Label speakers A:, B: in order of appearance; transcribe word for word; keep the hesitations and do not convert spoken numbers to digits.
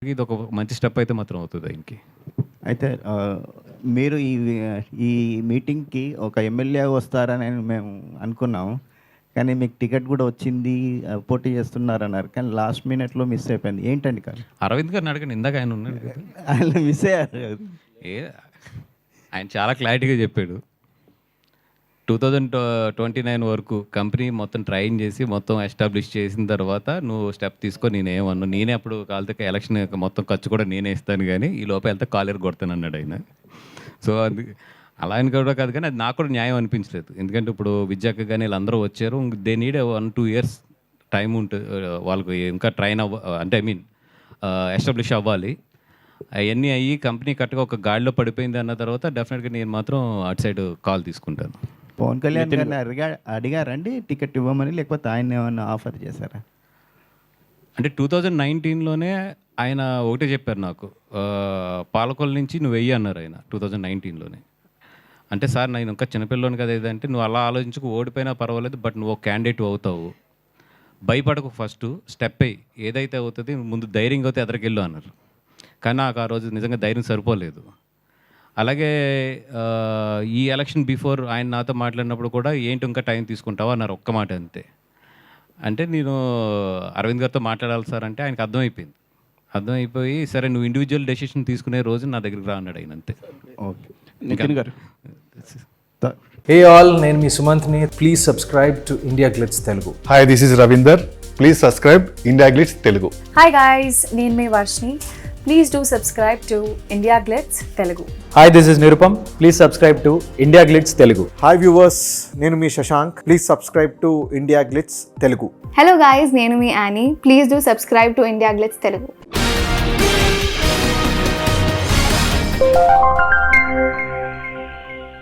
A: ఇది ఒక మంచి స్టెప్ అయితే మాత్రం అవుతుంది ఆయనకి.
B: అయితే ఆహ్, మీరు ఈ ఈ మీటింగ్‌కి ఒక ఎమ్మెల్యే వస్తారని మేము అనుకున్నాము. కానీ మీకు టికెట్ కూడా వచ్చింది. ఆహ్, పోటీ చేస్తున్నారన్నారు. కానీ లాస్ట్ మినిట్‌లో మిస్ అయిపోయింది. ఏంటండి కారణం?
A: అరవింద్ గారిని అడగండి, ఇందాక ఆయన ఉన్నాడు కదా.
B: ఆయన మిస్ అయ్యారు.
A: ఏ ఆయన చాలా క్లారిటీగా చెప్పాడు. టూ థౌజండ్ ట్వంటీ నైన్ వరకు కంపెనీ మొత్తం ట్రైన్ చేసి మొత్తం ఎస్టాబ్లిష్ చేసిన తర్వాత నువ్వు స్టెప్ తీసుకో, నేనేమన్నా నేనే అప్పుడు కాలితే ఎలక్షన్ మొత్తం ఖర్చు కూడా నేనే ఇస్తాను, కానీ ఈ లోపల వెళ్తే కాలేరు కొడతాను అన్నాడు ఆయన. సో అది అలా అని కూడా కాదు, కానీ అది నాకు కూడా న్యాయం అనిపించలేదు. ఎందుకంటే ఇప్పుడు విద్యాక కానీ వీళ్ళందరూ వచ్చారు, they need one two years time ఉంటుంది వాళ్ళకి ఇంకా ట్రైన్ అవ్వ, అంటే ఐ మీన్ ఎస్టాబ్లిష్ అవ్వాలి. అవన్నీ అయ్యి కంపెనీ కరెక్ట్గా ఒక గాడిలో పడిపోయింది అన్న తర్వాత డెఫినెట్గా నేను మాత్రం అటు సైడ్ కాల్ తీసుకుంటాను.
B: పవన్ కళ్యాణ్ గారిని అడిగా అడిగారండి టికెట్ ఇవ్వమని, లేకపోతే ఆయన ఏమన్నా ఆఫర్ చేశారా?
A: అంటే టూ థౌజండ్ నైన్టీన్లోనే ఆయన ఒకటే చెప్పారు నాకు, పాలకొల నుంచి నువ్వు వెయ్యి అన్నారు ఆయన టూ థౌజండ్ నైన్టీన్లోనే. అంటే సార్ నేను ఇంకా చిన్నపిల్లని కదా ఏదంటే, నువ్వు అలా ఆలోచించుకు ఓడిపోయినా పర్వాలేదు, బట్ నువ్వు ఒక క్యాండిడేట్ అవుతావు, భయపడకు, ఫస్ట్ స్టెప్ అయ్యి ఏదైతే అవుతుంది ముందు ధైర్యంగా అయితే ఎదరికెళ్ళు అన్నారు. కానీ నాకు ఆ రోజు నిజంగా ధైర్యం సరిపోలేదు. అలాగే ఈ ఎలక్షన్ బిఫోర్ ఆయన నాతో మాట్లాడినప్పుడు కూడా ఏంటి ఇంకా టైం తీసుకుంటావా అన్నారు, ఒక్క మాట అంతే. అంటే నేను అరవింద్ గారితో మాట్లాడాలి సార్ అంటే ఆయనకు అర్థమైపోయింది. అర్థమైపోయి సరే నువ్వు ఇండివిజువల్ డెసిషన్ తీసుకునే రోజు నా దగ్గరికి రా అన్నాడు ఆయన, అంతే.
B: ఓకే నితిన్ గారు.
C: హే ఆల్, నేను మీ సుమంత్ని. Please subscribe to IndiaGlitz Telugu.
D: Hi, this is Ravinder. Please subscribe IndiaGlitz Telugu.
E: Hi guys, నేను మీ Varshini. Please do subscribe to IndiaGlitz Telugu.
C: Hi, this is Nirupam. Please subscribe to IndiaGlitz Telugu.
F: Hi viewers, నేను మీ Shashank. Please subscribe to IndiaGlitz Telugu.
E: Hello guys, నేను మీ Annie. Please do subscribe to IndiaGlitz Telugu.